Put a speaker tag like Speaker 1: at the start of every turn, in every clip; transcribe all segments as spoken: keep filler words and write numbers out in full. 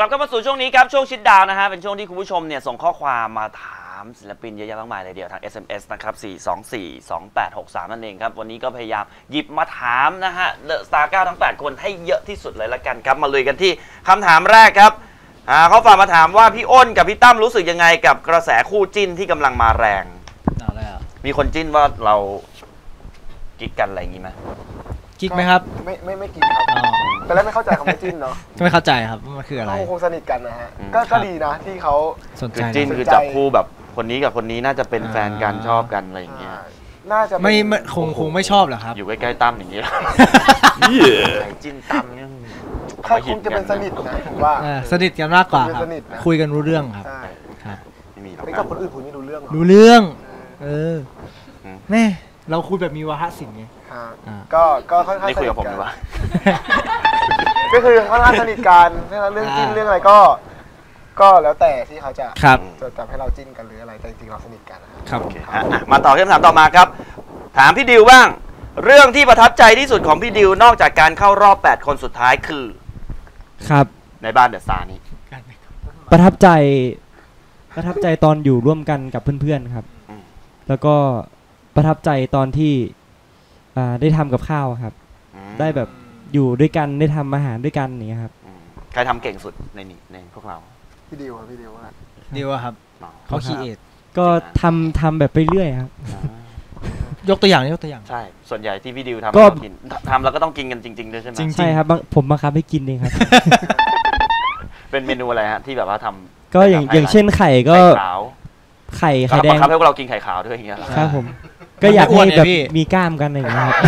Speaker 1: ลับเข้ามาสู่ช่วงนี้ครับช่วงชิดดาวนะฮะเป็นช่วงที่คุณผู้ชมเนี่ยส่งข้อความมาถามศิลปินเยอะแยะมากมายเลยเดียวทาง เอส เอ็ม เอส นะครับสี่ สอง สี่ สอง แปด หก สามนั่นเองครับวันนี้ก็พยายามหยิบมาถามนะฮะเดอะสตาร์เก้าทั้งแปดคนให้เยอะที่สุดเลยละกันครับมาลุยกันที่คำถามแรกครับอ่าเขาฝากมาถามว่าพี่อ้นกับพี่ตั้มรู้สึกยังไงกับกระแสคู่จิ้นที่กำลังมาแรง
Speaker 2: เอาแล้ว
Speaker 1: มีคนจิ้นว่าเรากิ๊กกันอะไรอย่างงี้ไหม
Speaker 2: กิ๊กไหมครับ
Speaker 3: ไม่ไม่ไม่กิ๊กครับแต่แรกไม่เข้าใจคำว่าจิ้นเนาะ
Speaker 2: ไม่เข้าใจครับมันคืออะไร
Speaker 3: เขาคงสนิทกันนะฮะก็ก็ดีนะที่เขา
Speaker 2: สนใจ
Speaker 1: จิ้นคือจับคู่แบบคนนี้กับคนนี้น่าจะเป็นแฟนกันชอบกันอะไรอย่างเงี้ย
Speaker 3: น่าจะ
Speaker 2: ไม่คงคงไม่ชอบหรอครับ
Speaker 1: อยู่ใกล้ๆตั้มอย่างนี้จิ้นตั้มเนี่ย
Speaker 3: เขาคงจะเป็นสนิทนะผมว่า
Speaker 2: สนิทกันมากกว่าครับคุยกันรู้เรื่องครับ
Speaker 3: ครับไม่มีหรอกกับคนอื่นคุยไม่รู้เรื่อง
Speaker 2: รู้เรื่องเออแม่เราคุยแบบมีวาทศิลป์ไง
Speaker 3: ก็ก็ค่อนข้าง
Speaker 1: สนิทคุยกับผมหรือวะ
Speaker 3: ก็คือค่อนข้างสนิทกันเรื่องจิ้นเรื่องอะไรก็ก็แล้วแต่ที่เขาจะจะทำให้เราจิ้นกันหรืออะไรแต่จริงๆเราสนิทกัน
Speaker 1: ครับมาต่อคำถามต่อมาครับถามพี่ดิวบ้างเรื่องที่ประทับใจที่สุดของพี่ดิวนอกจากการเข้ารอบแปดคนสุดท้ายคือ
Speaker 4: ครับ
Speaker 1: ในบ้านเดอะสตาร์นี้
Speaker 4: ประทับใจประทับใจตอนอยู่ร่วมกันกับเพื่อนๆครับแล้วก็ประทับใจตอนที่ได้ทำกับข้าวครับได้แบบอยู่ด้วยกันได้ทำอาหารด้วยกันอย่างเงี้ยครับ
Speaker 1: ใครทำเก่งสุดในนี้ในพวกเรา
Speaker 3: พี่ดิวครับพี่ดิวครับ
Speaker 2: ดิวครับเขาคีเอท
Speaker 4: ก็ทำทำแบบไปเรื่อยครับ
Speaker 2: ยกตัวอย่างยกตัวอย่าง
Speaker 1: ใช่ส่วนใหญ่ที่พี่ดิวทำก็กินทำแล้วก็ต้องกินกันจริงๆด้วยใช่ไหม
Speaker 4: ใช่ครับผมบังคับให้กินเองครับ
Speaker 1: เป็นเมนูอะไรฮะที่แบบว่าทำ
Speaker 4: ก็อย่างอย่างเช่นไข่ก็ไข่ไข่แดง
Speaker 1: บังคับให้พวกเรากินไข่ขาวด้วยอย่างเงี้ย
Speaker 4: ครับผมก็อยากให้แบบมีกล้ามกันอะไรอย่างเงี้ย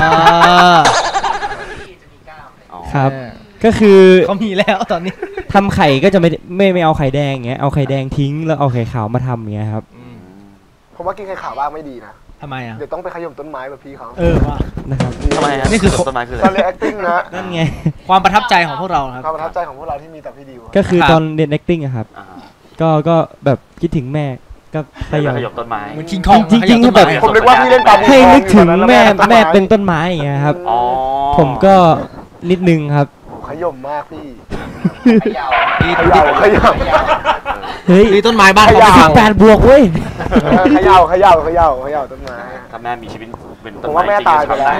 Speaker 4: ครับก็คือ
Speaker 2: เขามีแล้วตอนนี้
Speaker 4: ทำไข่ก็จะไม่ไม่ไม่เอาไข่แดงอย่างเงี้ยเอาไข่แดงทิ้งแล้วเอาไข่ขาวมาทำอย่างเงี้ยครับ
Speaker 3: ผมว่ากินไข่ขาวบ้างไม่ดีนะ
Speaker 2: ทำไมอ่ะ
Speaker 3: เดี๋ยวต้องไปขย่มต้นไม้แบบพี่เขา
Speaker 2: เออว่า
Speaker 4: นะครับ
Speaker 1: ทำไม
Speaker 2: นี่คือ
Speaker 1: ต้นไม้คืออะไร
Speaker 3: ตอนเรียน acting นะ
Speaker 4: นั่นไง
Speaker 2: ความประทับใจของพวกเราครับ
Speaker 3: ความประทับใจของพวกเราที่มีแต่พี่ดิว
Speaker 4: ก็คือตอนเรียน acting อะครับก็ก็แบบคิดถึงแม่ก็
Speaker 1: ขย่มต้นไม้
Speaker 2: เหมือนคิงคอง
Speaker 4: จริงๆแบบ
Speaker 3: ผมนึกว่าพี่เล่นตาม
Speaker 4: ให้นึกถึงแม่แม่เป็นต้นไม้อย่างเงี้ยครับผมก็นิดนึงครับ
Speaker 3: ขย่มมากพี่
Speaker 2: ขย่าขย่า
Speaker 3: ขย่า
Speaker 4: เฮ้ย
Speaker 2: ต้นไม้บ้านเขา
Speaker 4: สิบแปดบวกเว้ย
Speaker 3: ขย่าขย่าขย่าขย่าต้นไม้
Speaker 1: ถ้าแม่มีชีวิตเป็นต้น
Speaker 3: ไม้ผมว่าแม่ตายไปแล้ว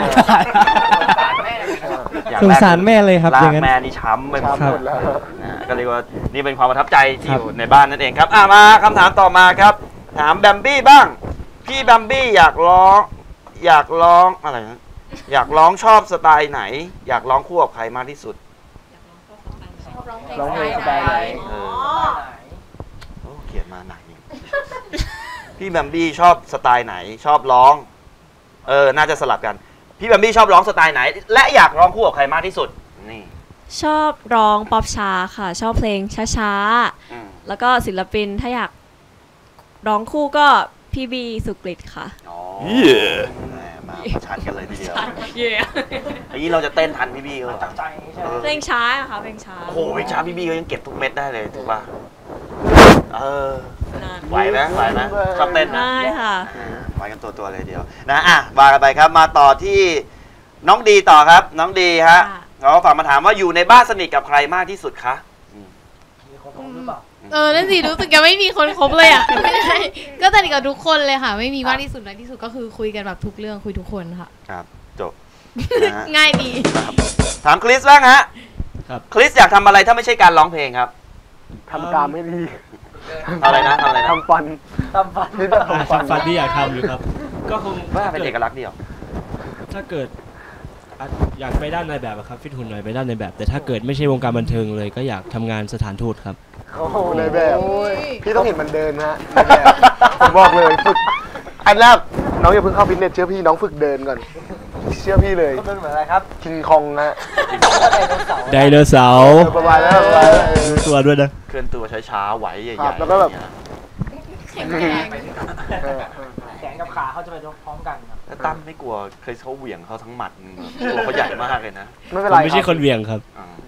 Speaker 4: สงสารแม่เลยครับ
Speaker 1: อย่างนั้นแม่นี่ช้ำไปหมดแล้วก็เรียกว่านี่เป็นความประทับใจที่อยู่ในบ้านนั่นเองครับอ่ะมาคำถามต่อมาครับถามแบมบี้บ้างพี่แบมบี้อยากร้องอยากร้องอะไรนะอยากร้องชอบสไตล์ไหนอยากร้องคู่กับใครมากที่สุด
Speaker 3: ร้องเพลงสไตล์ไหน
Speaker 1: โอ้เขียนมาหนักนี่พี่แบมบี้ชอบสไตล์ไหนชอบร้องเออน่าจะสลับกันพี่แบมบี้ชอบร้องสไตล์ไหนและอยากร้องคู่กับใครมากที่สุดนี่
Speaker 5: ชอบร้องป๊อปช้าค่ะชอบเพลงช้าๆแล้วก็ศิลปินถ้าอยากร้องคู่ก็พี่บีสุกฤตค่ะ
Speaker 1: อ๋อมาชันกันเลยทีเดียวไอ้นี้เราจะเต้นทันพี่บีเขา
Speaker 5: เพลงช้าอะค่ะเพลงช้า
Speaker 1: โอ้โหเพลงช้าพี่บีเขายังเก็บทุกเม็ดได้เลยถูกป่ะเออไหวไหมไหวไหมชอบเต้นนะ
Speaker 5: ได้ค่ะ
Speaker 1: ไหวกันตัวตัวเลยเดียวนะอ่ะมากันไปครับมาต่อที่น้องดีต่อครับน้องดีฮะเราฝากมาถามว่าอยู่ในบ้านสนิทกับใครมากที่สุดคะ
Speaker 6: เออนั่นสิรู้สึกยังไม่มีคนคบเลยอ่ะไม่ใช่ก็สนิทกับทุกคนเลยค่ะไม่มีมากที่สุดน้อยที่สุดก็คือคุยกันแบบทุกเรื่องคุยทุกคนค่ะ
Speaker 1: ครับจบ
Speaker 6: ง่ายดี
Speaker 1: ถามคริสบ้างฮะคริสอยากทำอะไรถ้าไม่ใช่การร้องเพลงครับ
Speaker 3: ทำการไม่ดี
Speaker 1: อะไรนะทำอะไรนะ
Speaker 3: ทำฟันทำฟันที่
Speaker 4: ทำฟันที่อยากทำอยู่ครับ
Speaker 1: ก็คงว่าเป็นเอกลักษณ์เดียว
Speaker 4: ถ้าเกิดอยากไปด้านในแบบครับฟิตหุ่นหน่อยไปด้านในแบบแต่ถ้าเกิดไม่ใช่วงการบันเทิงเลยก็อยากทำงานสถานทูตครับ
Speaker 3: โอ้โหในแบบพี่ต้องเห็นมันเดินฮะในแบบผมบอกเลยฝึกอันแรกน้องอย่าเพิ่งเข้าฟิตเนสเชื่อพี่น้องฝึกเดินก่อนเชื่อพี่เลย
Speaker 2: เดินเหมือนอะไรครับ
Speaker 3: คิงคองนะ
Speaker 4: ไดโนเสาร์
Speaker 3: ประมาณนั้น
Speaker 4: ตัวด้วยนะ
Speaker 1: เคลื่อนตัวช้าๆไหวใหญ่ๆ
Speaker 3: แล้วก็แบบ
Speaker 6: แข็งแรง
Speaker 2: แขนกับขาเขาจะไปพร้อมกัน
Speaker 1: แล้วตั้มไม่กลัวเคยเขาเหวี่ยงเขาทั้งหมัดตัวเขาใหญ่มากเลยนะ
Speaker 3: ไม่เป็นไร
Speaker 4: ไม่ใช่คนเหวี่ยงครับ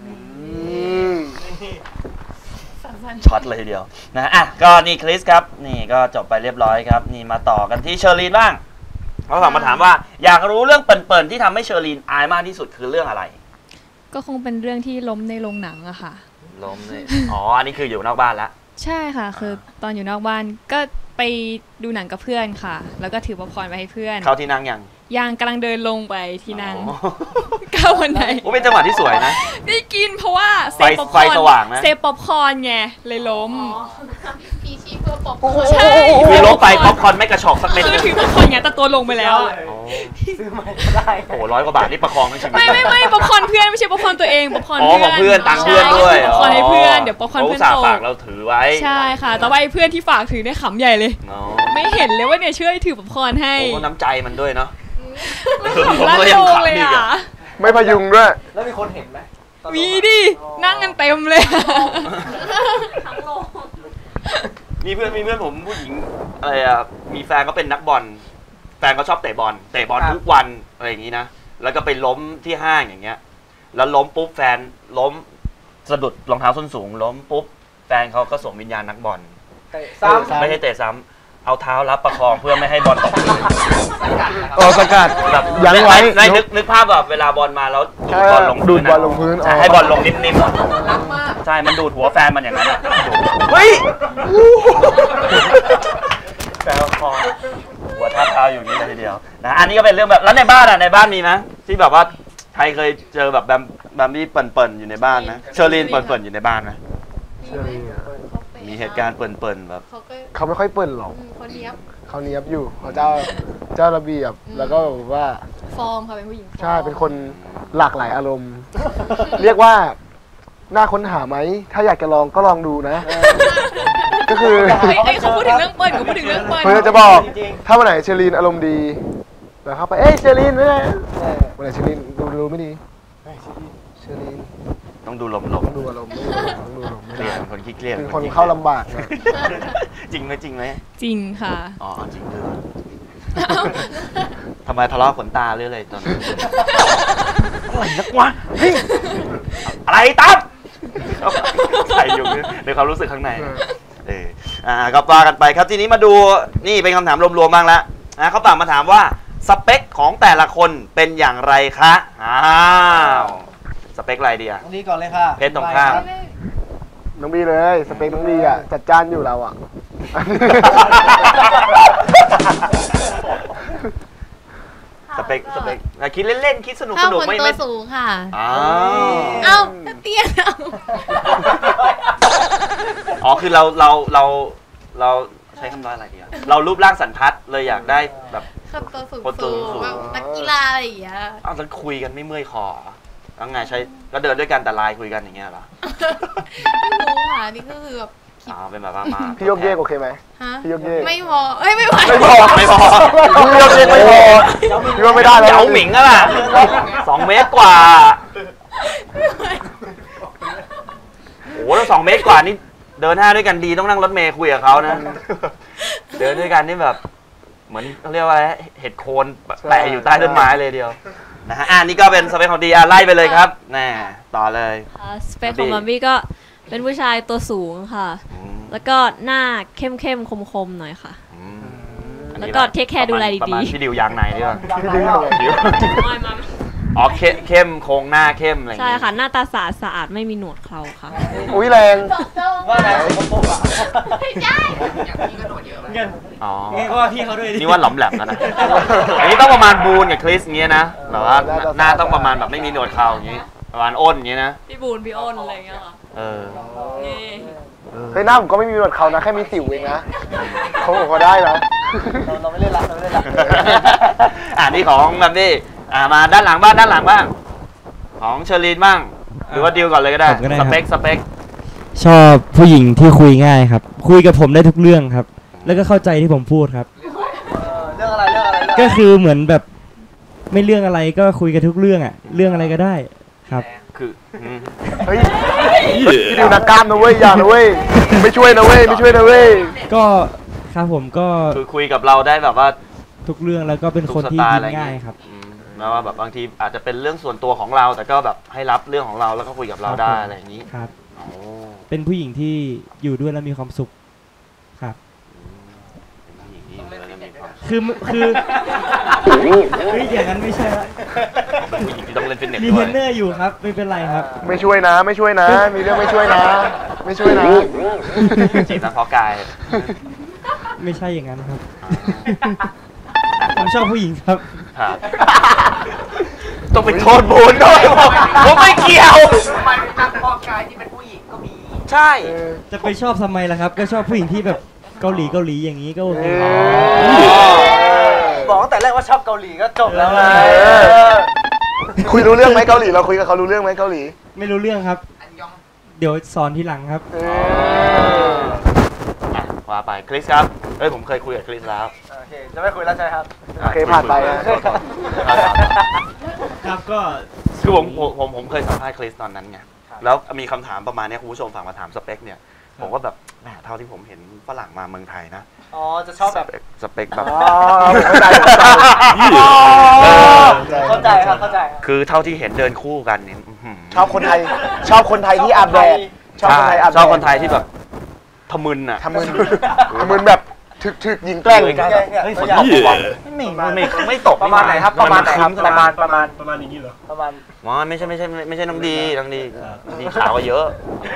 Speaker 1: ช็อตเลยทีเดียวนะอ่ะก็นี่คริสครับนี่ก็จบไปเรียบร้อยครับนี่มาต่อกันที่เชอรีนบ้างเขาถามมาถามว่าอยากรู้เรื่องเปิ่นๆที่ทำให้เชอรีนอายมากที่สุดคือเรื่องอะไร
Speaker 5: ก็คงเป็นเรื่องที่ล้มในโรงหนังอะค่ะ
Speaker 1: ล้มเลยอ๋ออันนี้คืออยู่นอกบ้านละ
Speaker 7: ใช่ค่ะ คือตอนอยู่นอกบ้านก็ไปดูหนังกับเพื่อนค่ะ แล้วก็ถือป๊อปคอร์นไปให้เพื่อน
Speaker 1: เข้าที่นั่งยัง
Speaker 7: ยังกำลังเดินลงไปที่นั่ง
Speaker 1: อ๋อ
Speaker 7: ก้าววันไหน
Speaker 1: โอ้เป็นจังหวะที่สวยนะ
Speaker 7: ได้กินเพราะว่าเซฟป๊อปค
Speaker 1: ไฟ
Speaker 7: อร์น
Speaker 1: สว่างนะ
Speaker 7: เซฟป๊อปคอร์นไงเลยล้ม
Speaker 6: พีชีเพื่อปอบ
Speaker 7: ใช่
Speaker 1: คือล้มไปป๊อปคอร์นไม่กระชอกสักเม็ด
Speaker 7: คือ
Speaker 1: เลย
Speaker 7: ถือป๊อปคอร์นไงแต่ตัวลงไปแล้วอะ
Speaker 1: โอ้
Speaker 2: ซื้อใหม่ก็ได้
Speaker 1: โหร้อยกว่าบาทนี่ประคองทั้งชีวิต
Speaker 7: ไม่ไม่ไม่ป๊อปคอร์นเพื่อนไม่ใช่ป๊อปคอร์นตัวเองป๊อปคอร์น
Speaker 1: อ๋อของเพื่อนตังค์เพื่อนด้วย
Speaker 7: ใช่ป๊อปคอร์นให้เพื่อนเดี๋ยวป๊อปคอร์น
Speaker 1: เขา
Speaker 7: เพื่อน
Speaker 1: อุตส่า
Speaker 7: โต
Speaker 1: ห์ฝากเราถือไว้
Speaker 7: ใช่ค่ะ แต่ว่าไอ้เพื่อนที่ฝากถือเนี่ยขำใหญ่เลย
Speaker 1: อ๋อ
Speaker 7: ไม่เห็นเลยว่าเนี่ยช่วยถือป๊อปคอร์นให้
Speaker 1: โอ้น้ำใจมันด้วยเนาะ
Speaker 7: ลั่น
Speaker 1: ก็
Speaker 7: โล
Speaker 1: ยัง
Speaker 7: ง
Speaker 1: ขำ
Speaker 7: เลย
Speaker 1: อีก
Speaker 7: อ่ะ
Speaker 1: อะ
Speaker 3: ไม่พยุงด้วย
Speaker 2: แล้วมีคนเห็นไหม
Speaker 7: มีดินั่งกันเต็มเลย
Speaker 1: มีเพื่อนมีเพื่อนผมผู้หญิงอะไรอ่ะมีแฟนก็เป็นนักบอลแฟนก็ชอบเตะบอลเตะบอลทุกวันอะไรอย่างนี้นะแล้วก็ไปล้มที่ห้างอย่างเงี้ยแล้วล้มปุ๊บแฟนล้มสะดุดรองเท้าส้นสูงล้มปุ๊บแฟนเขาก็ส่งวิญญาณนักบอล
Speaker 2: เตะซ้ำ
Speaker 1: ไม่ใช่เตะซ้ำเอาเท้ารับประคองเพื่อไม่ให้บอลตกพื้น
Speaker 3: โอ้สกัด
Speaker 1: แบบ
Speaker 3: ยั้งไว้
Speaker 1: ในนึกนึกภาพแบบเวลาบอลมาแล้วดูดบอลลง
Speaker 3: ดู
Speaker 1: พื้
Speaker 3: ด
Speaker 1: น
Speaker 3: บอลลงพื้น
Speaker 1: ใช่ให้บอลลงนิ่มๆใช่มันดูดหัวแฟนมันอย่างนั้นอะเฮ้ยแฟนคอหัวทับเท้าอยู่นี่เลยทีเดียวนะอันนี้ก็เป็นเรื่องแบบแล้วในบ้านอ่ะในบ้านมีไหมที่แบบว่าใครเคยเจอแบบแบมแบมบี้เปิ่นๆอยู่ในบ้านนะเชอรีนเปิ่นๆอยู่ในบ้านไหมมีเหตุการณ์เปิ่นๆแบบ
Speaker 6: เขาก็
Speaker 3: เขาไม่ค่อยเปิ่นหรอก
Speaker 6: อืมคนเนี้ยบ
Speaker 3: เขาเนี้ยบอยู่เขาเจ้าเจ้าระเบียบแล้วก็แบบว่า
Speaker 6: ฟอร์มค่ะเป็นผู้หญิงฟอร์ม
Speaker 3: ใช่เป็นคนหลากหลายอารมณ์ เรียกว่าน่าค้นหาไหมถ้าอยากจะลองก็ลองดูนะ ก็คือ
Speaker 7: เฮ้ยเฮ้ยเขาพูดถึงเรื่องเปิ้ลเขาพูดถึงเรื่องเปิ้ล
Speaker 3: เพื่อจะบอกถ้าวันไหนเชอรีนอารมณ์ดีแล้วเข้าไปเอ้ยเชอรีนไม่ได้วันไหนเชอรีนดูดูไม่ดีเชอรีน
Speaker 1: ต้องดูลม
Speaker 3: ต้องดูอารมณ์ต้องดูอารมณ์ไม่
Speaker 1: ๆเครี
Speaker 3: ได้
Speaker 1: ยดเป็นคนขี้เครียด
Speaker 3: เป็นคนเข้าลำบากนะ
Speaker 1: จริงไหมจริงไหม
Speaker 7: จริงค่ะ
Speaker 1: อ๋อจริงด้วยทำไมทะเลาะขนตาหรืออะไรตอนนั้นอะไรนักวะเฮ้ยอะไรตั้มใส่อยู่ในความรู้สึกข้างในเอออ่าก็ว่ากันไปครับทีนี้มาดูนี่เป็นคำถามรวมๆบ้างแล้วนะเขาฝากมาถามว่าสเปคของแต่ละคนเป็นอย่างไรคะอ้าวสเปคอะไรดีอะ
Speaker 2: ตรงนี้ก่อนเลยค่ะ
Speaker 1: เพชรตรงข้าม
Speaker 3: น้องบีเลยสเปคน้องบีอ่ะจัดจ้านอยู่เราอ่ะ
Speaker 1: สเปคสเปคอ่ะคิดเล่นๆคิดสนุก
Speaker 6: ถ้า
Speaker 1: สนุก
Speaker 6: คน
Speaker 1: ไม่
Speaker 6: ตัว
Speaker 1: ไม่
Speaker 6: สูงค่ะ
Speaker 1: อ้าว
Speaker 6: เอ้าเตี้ยเอา
Speaker 1: อ๋อคือเราเราเราเราใช้คำว่าอะไรดีอะเรารูปร่างสันทัดเลยอยากได้แบบ
Speaker 6: คนตัวสูง
Speaker 1: คนตัวสูง
Speaker 6: แบบนักกีฬาอะไรอย่างเงี้ย
Speaker 1: อ้าวแล้วคุยกันไม่เมื่อยคอเหรอแล้วไงใช้ก็เดินด้วยกันแต่ไลน์คุยกันอย่างเงี้ยเหรอ
Speaker 6: ไม่รู้ค่ะนี่ก็คือแบบ
Speaker 1: อ๋อเป็นแบบว่ามา
Speaker 3: พี่โยกเยกโอเคไหม
Speaker 6: ฮะ
Speaker 3: พี่โยกเยก
Speaker 6: ไม่พอเอ้ยไม่ไหว
Speaker 3: ไม่พอ
Speaker 1: ไม่พอ
Speaker 3: พี่โยกเยกไม่พอพี่ว่าไม่ได้แล้ว
Speaker 1: เหยาหมิงอะล่ะสองเมตรกว่าโอ้โหแล้วสองเมตรกว่านี่เดินหน้าด้วยกันดีต้องนั่งรถเมย์คุยกับเขานะ เดินด้วยกันนี่แบบ เหมือนเขาเรียกว่าอะไรเห็ดโคนแปะอยู่ใต้ต้นไม้เลยเดียวนะฮะอ่านี่ก็เป็นสเปคของดีอ่ะไล่ไปเลยครับแน่ต่อเลย
Speaker 5: สเปคของมัมบี้ก็เป็นผู้ชายตัวสูงค่ะ
Speaker 1: อืม
Speaker 5: แล้วก็หน้าเข้มเข้มคมคมๆหน่อยค่ะ
Speaker 1: อืมอัน
Speaker 5: แล้ว
Speaker 1: นี้
Speaker 5: ก็
Speaker 1: นะ
Speaker 5: เทคแคร์ดูแล
Speaker 1: ประ
Speaker 5: ดี
Speaker 1: มาณ
Speaker 5: ๆ
Speaker 1: พี่ดิวยางในดีกว่า
Speaker 3: พี่ดึงหน่อย
Speaker 1: ดิวอ๋อเข้มเข้มโครงหน้าเข้มอะไรอย่าง
Speaker 5: ใช่
Speaker 1: เงี้ย
Speaker 5: ค่ะ หน้าตาสะอาดสะอาดไม่มีหนวดเคราค่ะ
Speaker 3: อุ้ยแรง
Speaker 2: ว่าไหนผมบอกอ่ะ
Speaker 4: เงิน
Speaker 1: อ๋อ
Speaker 4: เงินก็ว่าพี่เขาด้วยดิ
Speaker 1: นี่ว่าหลอมแหลมแล้วนะ อันนี้ต้องประมาณบูนกับคริสอย่างเงี้ยนะแบบว่าหน้าต้องประมาณแบบไม่มีหนวดเคราอย่างงี้ประมาณอ้นอย่างงี้นะ
Speaker 5: พี่บูนพี่อ้นอะไรอย่างเงี้ยค่ะ
Speaker 1: เออ
Speaker 5: นี่
Speaker 3: เฮ้ยหน้าผมก็ไม่มีหนวดเขานะแค่มีสิวเองนะเขาบอกเขาได้นะ
Speaker 2: เราเราไม่เล่นละเราไม่เล่นละ
Speaker 1: อ่านี่ของแบบนี้อ่ามาด้านหลังบ้างด้านหลังบ้างของเชอรีนบ้างหรือว่าดิวก่อนเลยก็ได้
Speaker 4: ผมก็ได้
Speaker 1: ส
Speaker 4: ครับ
Speaker 1: เปคสเปค
Speaker 4: ชอบผู้หญิงที่คุยง่ายครับ คุยกับผมได้ทุกเรื่องครับ แล้วก็เข้าใจที่ผมพูดครับ
Speaker 2: เรื่องอะไรเรื่องอะไรเรื่องอะไร
Speaker 4: ก็คือเหมือนแบบไม่เรื่องอะไรก็คุยกันทุกเรื่องอ่ะ เรื่องอะไรก็ได้ครับ
Speaker 1: คืออืม
Speaker 3: เฮ้ยพี่ดิวนักกล้ามนะเว้ยอย่านะเว้ยไม่ช่วยนะเว้ยไม่ช่วยนะเว้ย
Speaker 4: ก็ครับผมก็
Speaker 1: คือคุยกับเราได้แบบว่า
Speaker 4: ทุกเรื่องแล้วก็เป็น
Speaker 1: ทุก
Speaker 4: คน
Speaker 1: ส
Speaker 4: ที่
Speaker 1: ไตล์
Speaker 4: ยิ้
Speaker 1: อะไร
Speaker 4: ม
Speaker 1: เงี้
Speaker 4: ง่ายครับ
Speaker 1: อืมแม้ว่าแบบบางทีอาจจะเป็นเรื่องส่วนตัวของเรา แต่ก็แบบให้รับเรื่องของเราแล้วก็คุยกับเราได้อะไรอย่างนี้
Speaker 4: ครับ
Speaker 1: โอ้
Speaker 4: เป็นผู้หญิงที่อยู่ด้วยแล้วมีความสุขครับ
Speaker 1: เป็นผู้หญิงที่อยู่แล้วมีความสุข
Speaker 4: คือคือเฮ้ยอย่างนั้นไม่ใช่ละ
Speaker 1: ผู้หญิงที่ต้องเล่นฟิตเนส
Speaker 4: มี
Speaker 1: ด้
Speaker 4: เท
Speaker 1: ว
Speaker 4: ร
Speaker 1: ย
Speaker 4: นเนอร์อยู่ครับไม่เป็นไรครับ
Speaker 3: ไม่ช่วยนะ ไม่ช่วยนะ มีเรื่องไม่ช่วยนะ ไม่ช่วยนะ
Speaker 1: จีบนักเพาะกาย
Speaker 4: ไม่ใช่อย่างนั้นครับ ผมชอบผู้หญิงครับ
Speaker 1: ครับต้องไปโทษบูนด้วยผมผมไม่เกี่ยว
Speaker 2: มันนักพอกายที่เป็นผู้หญิงก็มี
Speaker 1: ใช่
Speaker 4: จะไปชอบทำไมล่ะครับ ก็ชอบผู้หญิงที่แบบเกาหลีเกาหลีอย่างนี้ก็โอเค
Speaker 2: บอกตั้งแต่แรกว่าชอบเกาหลีก็จบแล้วไง
Speaker 3: คุยรู้เรื่องไหมเกาหลีเราคุยกับเขารู้เรื่องไหมเกาหลี
Speaker 4: ไม่รู้เรื่องครับ เดี๋ยวสอนทีหลังครับ
Speaker 1: อ่ะว่าไปคริสครับเอ้ยผมเคยคุยกับคริสแล้ว
Speaker 2: โอเคจะไม่คุยแล้วใช่ครับ
Speaker 3: โอเคผ่านไปนะ
Speaker 4: ครับก็
Speaker 1: คือผมผมผมผมเคยสัมภาษณ์คริสตอนนั้นไงแล้วมีคำถามประมาณนี้คุณผู้ชมฝากมาถามสเปคเนี่ยผมก็แบบแหมเท่าที่ผมเห็นฝรั่งมาเมืองไทยนะ
Speaker 2: อ๋อจะชอบแบบ
Speaker 1: สเปคแบบ
Speaker 3: อ๋อเข้าใจ
Speaker 2: เข้าใจครับเข้าใจครับ
Speaker 1: คือเท่าที่เห็นเดินคู่กันเนี่ยอื้อหื
Speaker 3: ชอบคนไทย ชอบคนไทยที่อาบแดดชอบคน
Speaker 1: ใช่
Speaker 3: ไทยอาบแดด
Speaker 1: ชอบคนไทยที่แบบทะมึนอ่ะ
Speaker 3: ทำมึนทำมึนแบบถึกถึกยิงแกล้ง
Speaker 1: เฮ้ยฝนตกปะวะไม่ไม่ไม่ตก
Speaker 2: ประมาณไหนครับประมาณไหนครับประมาณประมาณ
Speaker 8: ประมาณอย่างนี้เหรอ
Speaker 2: ประมาณ
Speaker 1: อ๋อไม่ใช่ไม่ใช่ไม่ใช่น้องดีน้องดีน้องดีขาวกว่าเยอะ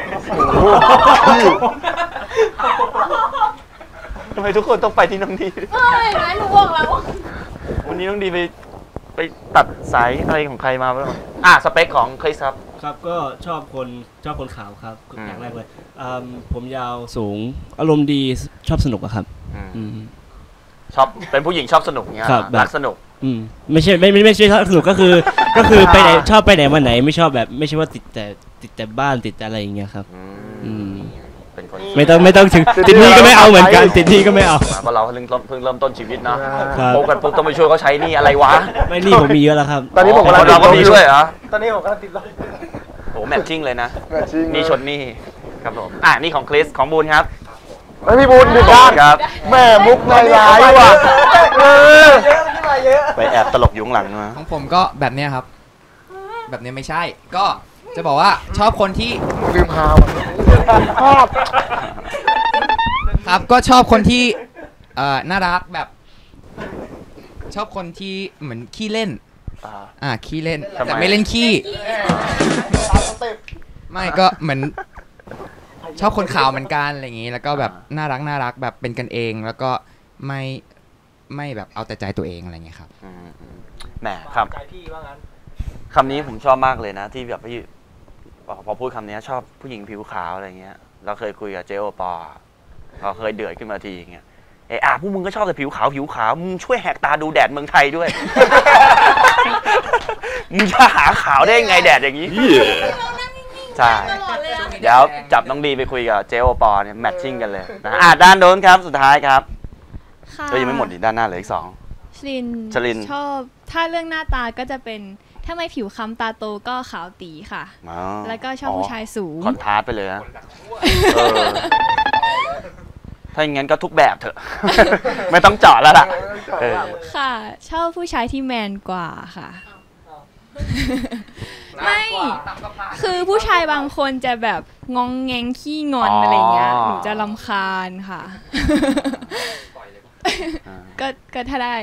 Speaker 1: ทำไมทุกคนต้องไปที่น้องดี
Speaker 6: เฮ้ยนะหนูบอกแล้ว
Speaker 1: วันนี้น้องดีไปไปตัดสายอะไรของใครมาบ้างอ่ะสเปคของคริสครับ
Speaker 8: ครับก็ชอบคนชอบคนขาวครับ
Speaker 1: อืม
Speaker 8: อย่างแรกเลยอืมผมยาวสูงอารมณ์ดีชอบสนุกอะครับ
Speaker 1: อืม
Speaker 8: อืม
Speaker 1: ชอบเป็นผู้หญิงชอบสนุกเงี้ย
Speaker 8: ครับแบบ
Speaker 1: รักสนุก
Speaker 8: อืมไม่ใช่ไม่ไม่ไม่ใช่ชอบสนุกก็คือ ก็คือไปไหนชอบไปไหนมาไหนไม่ชอบแบบไม่ใช่ว่าติดแต่ติดแต่บ้านติดแต่อะไรอย่างเงี้ยครับ
Speaker 1: อื
Speaker 8: อื
Speaker 1: ม
Speaker 8: ม
Speaker 1: เป็นคน
Speaker 8: ไม่ต้องไม่ต้องถึงติดหนี้ก็ไม่เอาเหมือนกันติดหนี้ก็ไม่เอา
Speaker 1: เพราะเราเพิ่งเริ่มเพิ่งเริ่มต้นชีวิตเนาะ
Speaker 8: ครับ
Speaker 1: โตกันปุ๊บต้องไปช่วยเขาใช้หนี่อะไรวะ
Speaker 8: ไม่หนี้ผมมีเยอะแล้วครับ
Speaker 3: ตอนนี้ผมกำลัง
Speaker 1: เราก็มีช่วยเหรอ
Speaker 2: ตอนนี้ผมกำลังติดลบ
Speaker 1: โอ้แมทชิ่งเลยนะ
Speaker 3: แมทชิ่ง
Speaker 1: นี่ชนนี่ครับผมอ่ะนี่ของคริสของบูนครับ
Speaker 3: ไม่พี่บุญผิดด้าน
Speaker 1: ครับ
Speaker 3: แม่มุกในร้ายว่ะเออ
Speaker 2: เยอะขึ้นมาเยอะ
Speaker 1: ไปแอบตลกอยู่ข้างหลังมา
Speaker 9: ของผมก็แบบเนี้ยครับ แบบเนี้ยไม่ใช่ ก็จะบอกว่าชอบคนที่
Speaker 3: ลืมฮาวอ่ะชอบ
Speaker 9: ครับก็ชอบคนที่เอ่อน่ารักแบบ ชอบคนที่เหมือนขี้เล่น
Speaker 1: อ่า
Speaker 9: อ่าขี้เล่น
Speaker 1: ทำไม
Speaker 9: แต่ไม่เล่นขี้ไม่ก็เหมือน ชอบคนขาวเหมือนกันอะไรอย่างงี้ แล้วก็แบบน่ารักน่ารักแบบเป็นกันเอง แล้วก็ไม่ไม่แบบเอาแต่ใจตัวเองอะไรอย่างเงี้ยครับ
Speaker 1: อืมอืมแหมครับ
Speaker 2: ใจพี่ว่างั้น
Speaker 1: คำนี้ผมชอบมากเลยนะ ที่แบบพี่พอพูดคำนี้ชอบผู้หญิงผิวขาวอะไรเงี้ยเราเคยคุยกับเจโอปอเราเคยเดือดขึ้นมาทีอย่างเงี้ยเอออ่ะพวกมึงก็ชอบแต่ผิวขาวผิวขาวมึงช่วยแหกตาดูแดดเมืองไทยด้วย มึงจะหาขาวได้ไงแดดอย่างนี้ใช่
Speaker 6: ตลอดเลยอะ
Speaker 1: เดี๋ยวจับน้องดีไปคุยกับเจโอปอเนี่ยแมทชิ่งกันเลยนะอ่ะด้านโน้นครับสุดท้ายครับ
Speaker 7: ค่ะ
Speaker 1: ก็ยังไม่หมดดิด้านหน้าเหลืออีกสอง
Speaker 7: ชลิน
Speaker 1: ชลิน
Speaker 7: ชอบถ้าเรื่องหน้าตาก็จะเป็นถ้าไม่ผิวคล้ำตาโตก็ขาวตีค่ะ
Speaker 1: อ๋อ
Speaker 7: แล้วก็ชอบผู้ชายสูง
Speaker 1: คอนทราสต์ไปเลยนะเออถ้าอย่างนั้นก็ทุกแบบเถอะ ไม่ต้องเจาะแล้วล่ะเออ
Speaker 7: ค่ะ ชอบผู้ชายที่แมนกว่าค่ะ ไม่ คือผู้ชายบางคนจะแบบงองแงงขี้งอนอะไรเงี้ย หนูจะรำคาญค่ะ ก็ก็ถ้าได้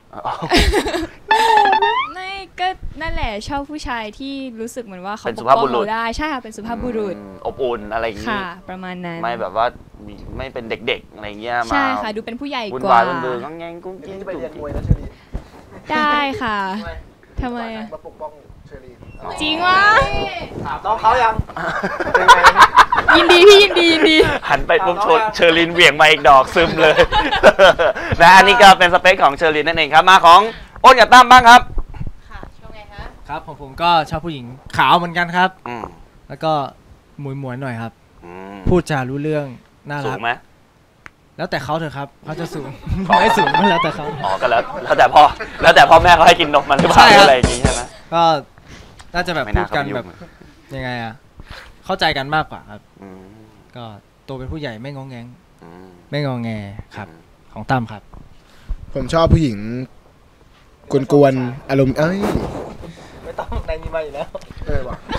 Speaker 7: ไม่ก็นั่นแหละชอบผู้ชายที่รู้สึกเหมือนว่าเขา
Speaker 1: เป็น
Speaker 7: ป
Speaker 1: สุ
Speaker 7: ก
Speaker 1: ภาพ
Speaker 7: ป้
Speaker 1: บุ
Speaker 7: อง
Speaker 1: รุษ
Speaker 7: เราได้ใช่ค่ะเป็นสุภาพบุรุษ
Speaker 1: อืมอบอุ่นอะไรอย่างงี้
Speaker 7: ค่ะ ประมาณนั้น
Speaker 1: ไม่แบบว่ามีไม่เป็นเด็กๆอะไรเงี้ยมา
Speaker 7: ใช่ค่ะดูเป็นผู้ใหญ่
Speaker 1: วุ่น
Speaker 7: กว่า
Speaker 1: วายวุ่นเบืองงแงงกุ้งกิ้ง
Speaker 3: ที่ไป
Speaker 1: จุ๊
Speaker 3: เรียนมวย
Speaker 1: ก
Speaker 3: นะเชอรี่
Speaker 7: ได้ค่ะทำไมอะ
Speaker 3: มาปกป้องเชอรี่
Speaker 7: จริงวะ
Speaker 2: ถามน้องเขายัง
Speaker 3: เป็นไง
Speaker 7: ยินดีพี่ยินดียินดี
Speaker 1: หันไปปุ๊บชนเชอรินเหวี่ยงมาอีกดอกซึมเลย นะอันนี้ก็เป็นสเปคของเชอรินนั่นเองครับมาของอ้นกับตั้มบ้างครับ
Speaker 6: ค่ะชอบไงคะ
Speaker 2: ครับผมผมก็ชอบผู้หญิงขาวเหมือนกันครับ
Speaker 1: อืม
Speaker 2: แล้วก็มวยมวยๆหน่อยครับ
Speaker 1: อืม
Speaker 2: พูดจารู้เรื่องน่า
Speaker 1: สู
Speaker 2: รั
Speaker 1: ง
Speaker 2: ก
Speaker 1: ไหม
Speaker 2: แล้วแต่เขาเถอะครับเขาจะสูง ไม่สูงก็แล้วแต่เขา
Speaker 1: อ๋อก็แล้วแล้วแต่พ่อแล้วแต่พ่อแม่เขาให้กินนมมันหรือเป
Speaker 2: ใช่
Speaker 1: ล่า
Speaker 2: ครับ
Speaker 1: อะไรอย่างงี้ใช่ไหม
Speaker 2: ก็น่าจะแบบ
Speaker 1: ไม่
Speaker 2: พู
Speaker 1: น่า
Speaker 2: ดกัน
Speaker 1: เข้าไปยุ่ง
Speaker 2: แบบยังไงอะเข้าใจกันมากกว่าครับ
Speaker 1: อืม
Speaker 2: ก็โตเป็นผู้ใหญ่ไม่งองแงง
Speaker 1: อืม
Speaker 2: ไม่งองแงครับของตั้มครับ
Speaker 3: ผมชอบผู้หญิงกวนๆอารมณ์เอ้ย
Speaker 2: ไม่ต้องในนี้มาอยู่แล้ว
Speaker 3: เออว่ะ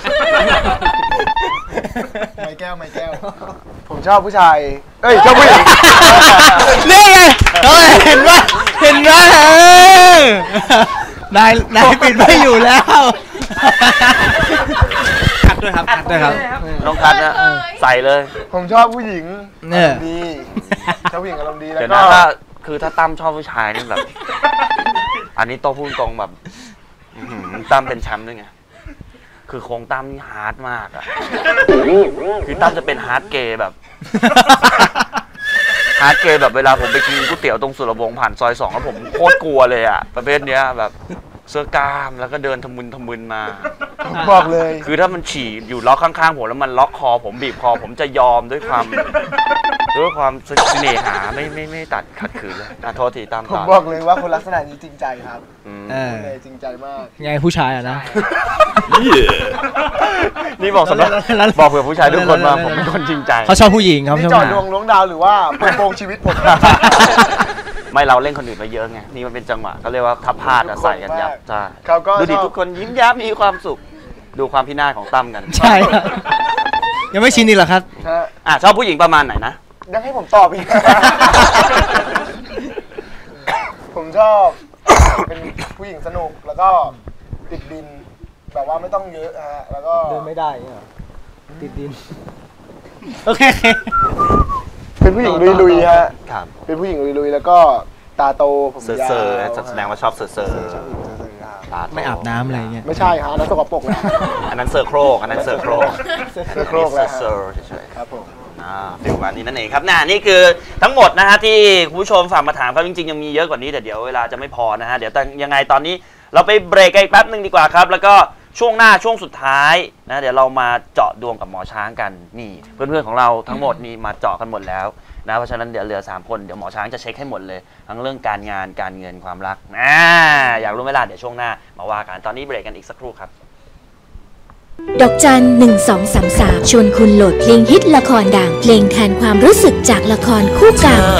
Speaker 3: ไม่แก้วไม่แก้ว ผมชอบผู้ชาย เอ้ยชอบผู้หญิง
Speaker 2: นี่ไงเฮ้ยเห็นว่าเห็นไหมนายนายปิดไม่อยู่แล้วคัดด้วยครับคัดด้วยครับ
Speaker 1: น้องคัดนะใส่เลย
Speaker 3: ผมชอบผู้หญิง
Speaker 2: เนี่ย
Speaker 3: อารมณ์ดีชอบผู้หญิงอารมณ์ดีแล้ว
Speaker 1: เดี๋ยว
Speaker 3: ก็
Speaker 1: นะถ้าคือถ้าตั้มชอบผู้ชายนี่แบบ อันนี้โตพูดตรงแบบอื้อหือตั้มเป็นแชมป์ด้วยไงคือโครงตั้มนี่ฮาร์ดมากอะคือตั้มจะเป็นฮาร์ดเกย์แบบฮาร์ดเกย์แบบเวลาผมไปกินก๋วยเตี๋ยวตรงสุรวงศ์ผ่านซอยสองแล้วผมโคตรกลัวเลยอะประเภทเนี้ยแบบเสื้อกล้ามแล้วก็เดินทะมึนทะมึนมา
Speaker 3: บอกเลย
Speaker 1: คือถ้ามันฉี่อยู่ล็อกข้างๆผมแล้วมันล็อกคอผมบีบคอผมจะยอมด้วยความด้วยความเสน่หาไม่ไม่ไม่ตัดขัดขืนเลยอ่ะโทษทีตาม
Speaker 3: ผม
Speaker 1: ต่อ
Speaker 3: บอกเลยว่าคนลักษณะนี้จริงใจครับ
Speaker 1: อืม
Speaker 2: เออ
Speaker 3: เลยจริงใจมาก
Speaker 2: ไงผู้ชายอ่ะนะ
Speaker 1: นี่บอกสำหรับบอกเผื่อผู้ชายทุกคนว่าผมเป็นคนจริงใจ
Speaker 2: เขาชอบผู้หญิงครับ
Speaker 3: นี่
Speaker 2: ชอบ
Speaker 3: จอด
Speaker 2: หา
Speaker 3: ดวงล้วงดาวหรือว่าเปิดโปงชีวิตผม
Speaker 1: ไม่เราเล่นคนอื่นไปเยอะไงนี่มันเป็นจังหวะก็เรียกว่าทับพลาดอะใส่กันยับใช่
Speaker 3: เขาก็
Speaker 1: ดูดิ
Speaker 3: ชอบ
Speaker 1: ทุกคนยิ้มแย้มมีความสุข ดูความพินาศของตั้มกัน
Speaker 2: ใช่ครับยังไม่ชินอีกเหรอครับ
Speaker 3: ฮะ
Speaker 1: อ่ะชอบผู้หญิงประมาณไหนนะ
Speaker 3: ยังให้ผมตอบอีก ผมชอบ เป็นผู้หญิงสนุกแล้วก็ติดดินแบบว่าไม่ต้องเยอะฮะแล้วก็
Speaker 2: เดินไม่ได้เหรอติดดินโอเค
Speaker 3: เป็นผู้หญิงลุยๆฮะ
Speaker 1: ครับ
Speaker 3: เป็นผู้หญิงลุยๆแล้วก็ตาโตผม
Speaker 1: เซอร์
Speaker 3: ยาว
Speaker 1: เซอร์แสดงว่าชอบเซอร์เซอร์
Speaker 3: ชอบผู้หญิงเซอร์ๆครับ
Speaker 1: ตาโต
Speaker 2: ไม่อาบน้ำอะไรเงี้ย
Speaker 3: ไม่ใช่ฮะนั่นสกปรกแล้ว
Speaker 1: อันนั้นเซอร์โครกอันนั้นเซอร์โครก
Speaker 3: เซอร์โครกแล้วฮะ
Speaker 1: เซอร์เฉยๆ
Speaker 3: ครับผม
Speaker 1: อ่าฟิลวันนี้นั่นเองครับน่านี่คือทั้งหมดนะฮะที่คุณผู้ชมฝากมาถามครับจริงๆยังมีเยอะกว่านี้แต่เดี๋ยวเวลาจะไม่พอนะฮะเดี๋ยวยังไงตอนนี้เราไปเบรกกันอีกแป๊บหนึ่งดีกว่าครับแล้วก็ช่วงหน้าช่วงสุดท้ายนะเดี๋ยวเรามาเจาะดวงกับหมอช้างกันนี่เพื่อนๆของเราทั้งหมดนี่มาเจาะกันหมดแล้วนะเพราะฉะนั้นเดี๋ยวเหลือสามคนเดี๋ยวหมอช้างจะเช็คให้หมดเลยทั้งเรื่องการงานการเงินความรักนะอยากรู้ไหมล่ะเดี๋ยวช่วงหน้ามาว่ากันตอนนี้เบรกกันอีกสักครู่ครับ
Speaker 10: ดอกจันหนึ่งสองสามสามชวนคุณโหลดเพลงฮิตละครดังเพลงแทนความรู้สึกจากละครคู่เก่า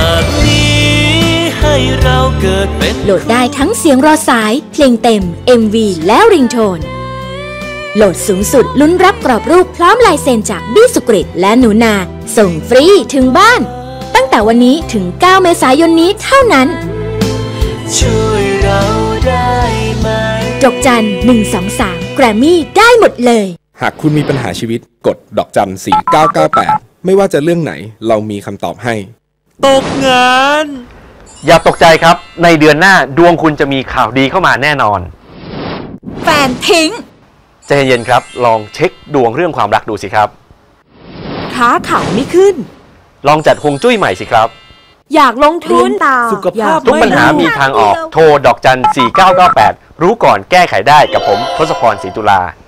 Speaker 10: โหลดได้ทั้งเสียงรอสายเพลงเต็ม เอ็ม วี และริงโทนโหลดสูงสุดลุ้นรับกรอบรูปพร้อมลายเซ็นจากบี้สุกริตและหนูนาส่งฟรีถึงบ้านตั้งแต่วันนี้ถึงเก้าเมษายนนี้เท่านั้นช่วยเราได้ไหมดอกจันหนึ่งสองสามแกรมมี่ได้หมดเลย
Speaker 11: หากคุณมีปัญหาชีวิตกดดอกจันสี่เก้าเก้าแปดไม่ว่าจะเรื่องไหนเรามีคำตอบให้ตกงาน
Speaker 12: อย่าตกใจครับในเดือนหน้าดวงคุณจะมีข่าวดีเข้ามาแน่นอน
Speaker 10: แฟนทิ้ง
Speaker 12: ใจเย็นๆครับลองเช็คดวงเรื่องความรักดูสิครับ
Speaker 10: ค้าขายไม่ขึ้น
Speaker 12: ลองจัดฮวงจุ้ยใหม่สิครับ
Speaker 10: อยากลงทุน
Speaker 12: สุขภาพทุกปัญหามีทางออกโทรดอกจันสี่เก้าเก้าแปดรู้ก่อนแก้ไขได้กับผมทศพรศรีตุลา